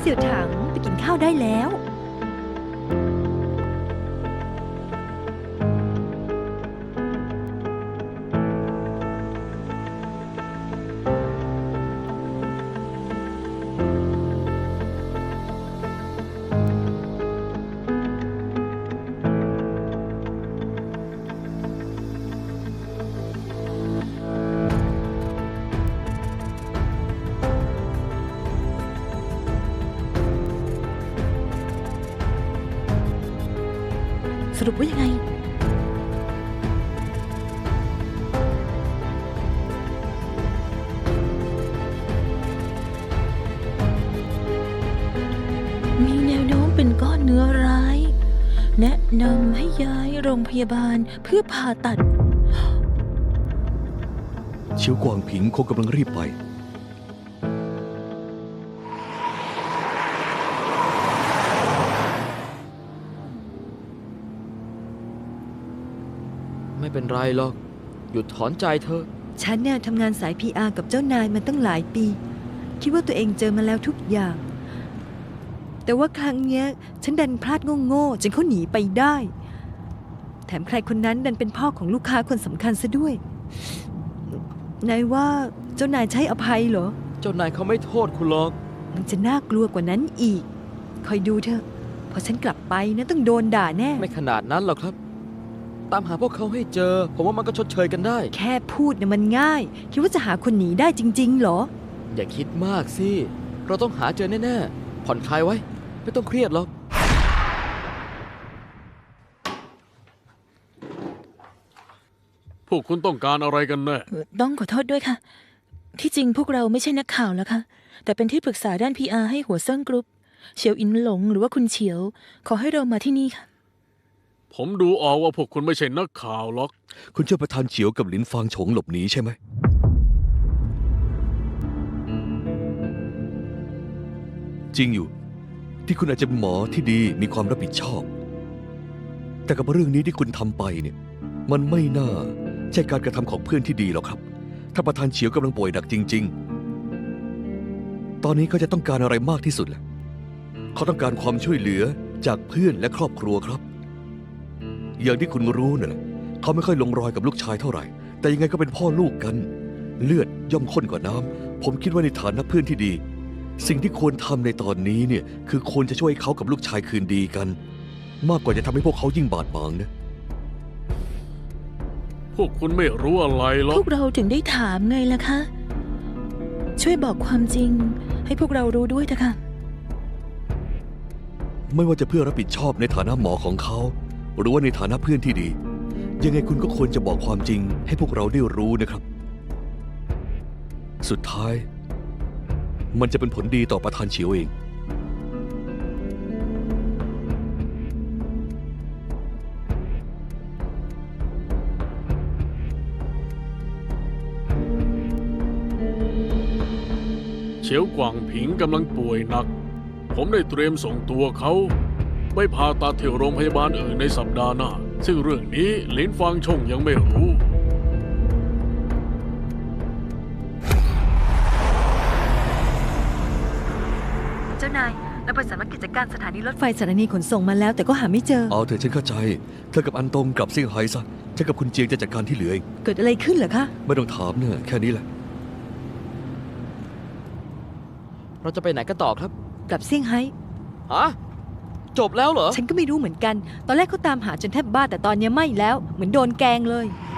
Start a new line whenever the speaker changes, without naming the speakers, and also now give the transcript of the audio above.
เสี่ยวถังไปกินข้าวได้แล้ว สรุปว่ายังไง มีแนวโน้มเป็นก้อนเนื้อร้าย แนะนำให้ย้ายโรงพยาบาลเพื่อผ่าตัด
เฉียวกวางผิงคงกำลังรีบไป
ไม่เป็นไรหรอกหยุดถอนใจเธอ
ฉันเนี่ยทำงานสาย PR กับเจ้านายมาตั้งหลายปี คิดว่าตัวเองเจอมาแล้วทุกอย่าง แต่ว่าครั้งเนี้ยฉันดันพลาดโง่ๆจนเขาหนีไปได้ แถมใครคนนั้นดันเป็นพ่อของลูกค้าคนสำคัญซะด้วย นายว่าเจ้านายใช้อภัยเหรอ
เจ้านายเขาไม่โทษคุณหรอก
มันจะน่ากลัวกว่านั้นอีก คอยดูเถอะ พอฉันกลับไปนะต้องโดนด่าแน่
ไม่ขนาดนั้นหรอกครับ ตามหาพวกเขาให้เจอ ผมว่ามันก็ชดเชยกันได้
แค่พูดนะมันง่าย คิดว่าจะหาคนหนีได้จริงๆเหรอ
อย่าคิดมากสิ เราต้องหาเจอแน่ๆ ผ่อนคลายไว้ ไม่ต้องเครียดหรอก
พวกคุณต้องการอะไรกันแน่
ต้องขอโทษด้วยค่ะ ที่จริงพวกเราไม่ใช่นักข่าวแล้วค่ะ แต่เป็นที่ปรึกษาด้าน PR ให้หัวเซิ่งกรุ๊ปเฉียวอินหลงหรือว่าคุณเฉียว ขอให้เรามาที่นี่ค่ะ
ผมดูออกว่าพวกคุณไม่ใช่นักข่าวหรอก
คุณช่วยประธานเฉียวกับหลินฟางฉงหลบหนีใช่ไหมจริงอยู่ ที่คุณอาจจะเป็นหมอที่ดีมีความรับผิดชอบ แต่กับเรื่องนี้ที่คุณทำไปเนี่ยมันไม่น่าใช่การกระทำของเพื่อนที่ดีหรอกครับ ถ้าประธานเฉียวกำลังป่วยหนักจริงๆ ตอนนี้เขาจะต้องการอะไรมากที่สุดล่ะเขาต้องการความช่วยเหลือจากเพื่อนและครอบครัวครับ อย่างที่คุณรู้น่ะเขาไม่ค่อยลงรอยกับลูกชายเท่าไหร่ แต่ยังไงก็เป็นพ่อลูกกัน เลือดย่อมข้นกว่าน้ำผมคิดว่าในฐานะเพื่อนที่ดี สิ่งที่ควรทำในตอนนี้เนี่ยคือควรจะช่วยเขากับลูกชายคืนดีกัน มากกว่าจะทำให้พวกเขายิ่งบาดหมางนะ
พวกคุณไม่รู้อะไรหรอ
พ
ก
วกเราถึงได้ถามไงล่ะคะ ช่วยบอกความจริง ให้พวกเรารู้ด้วยเถอะค่ะ
ไม่ว่าจะเพื่อรับผิดชอบในฐานะหมอของเขา หรือว่าในฐานะเพื่อนที่ดี ยังไงคุณก็ควรจะบอกความจริงให้พวกเราได้รู้นะครับ สุดท้าย มันจะเป็นผลดีต่อประธานเฉียวเอง
เฉียวกวางผิงกำลังป่วยหนัก ผมได้เตรียมส่งตัวเขาไปผ่าตัดที่โรงพยาบาลอื่นในสัปดาห์หน้า ซึ่งเรื่องนี้หลินฟางชงยังไม่รู้
เจ้านายเราไปสำนักกิจการสถานีรถไฟสถานีขนส่งมาแล้วแต่ก็หาไม่เจอ
เอาเถอะฉันเข้าใจ เธอกับอันตงกลับเซี่ยงไฮ้ซะฉันกับคุณเจียงจะจัดการที่เหลือเอง
เกิดอะไรขึ้นเหรอคะ
ไม่ต้องถามเนี่ยแค่นี้แหละ
เราจะไปไหนกันต่อครับ
กลับเซี่ยงไฮ้
ฮะ จบแล้วเหรอ
ฉันก็ไม่รู้เหมือนกัน ตอนแรกเขาตามหาจนแทบบ้าแต่ตอนนี้ไม่แล้ว เหมือนโดนแกล้งเลย
ฮ